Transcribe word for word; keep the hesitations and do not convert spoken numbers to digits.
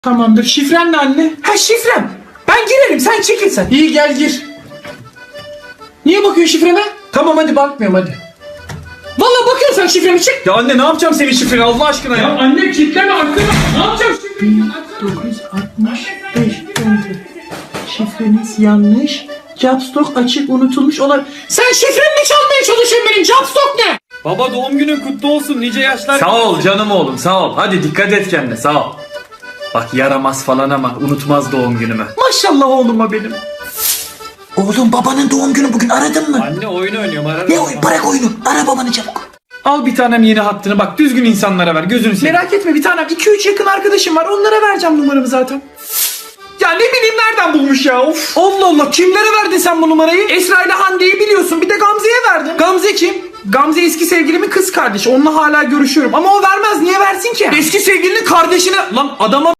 Tamamdır. Şifren ne anne? Ha şifrem. Ben girerim, sen çekil sen. İyi gel gir. Niye bakıyorsun şifreme? Tamam hadi bakmıyorum hadi. Vallahi bakıyorsun sen şifremi, çık. Ya anne ne yapacağım senin şifreni Allah aşkına ya. Ya anne kilitleme arkana. Ne yapacağım şifreni? dokuz yüz altmış beş Şifreniz yanlış. Capstock açık unutulmuş olabilir. Sen şifremi çalmaya çalışıyorsun benim. Capstock ne? Baba doğum günün kutlu olsun, nice yaşlar. Sağ ol canım oğlum sağ ol. Hadi dikkat et kendine sağ ol. Bak yaramaz falan ama unutmaz doğum günümü. Maşallah oğluma benim. Oğlum babanın doğum günü bugün, aradın mı? Anne oyun oynuyorum, ararım. Ne oyun? Bırak oyunu. Ara babanı çabuk. Al bir tanem yeni hattını, bak düzgün insanlara ver, gözünü seveyim. Merak etme bir tanem, iki üç yakın arkadaşım var, onlara vereceğim numaramı zaten. Ya ne bileyim nereden bulmuş ya, of. Allah Allah, kimlere verdin sen bu numarayı? Esra ile Hande'yi biliyorsun, bir de Gamze'ye verdim. Gamze kim? Gamze eski sevgilimin kız kardeşi, onunla hala görüşüyorum ama o vermez, niye versin ki? Eski sevgilinin kardeşine lan adama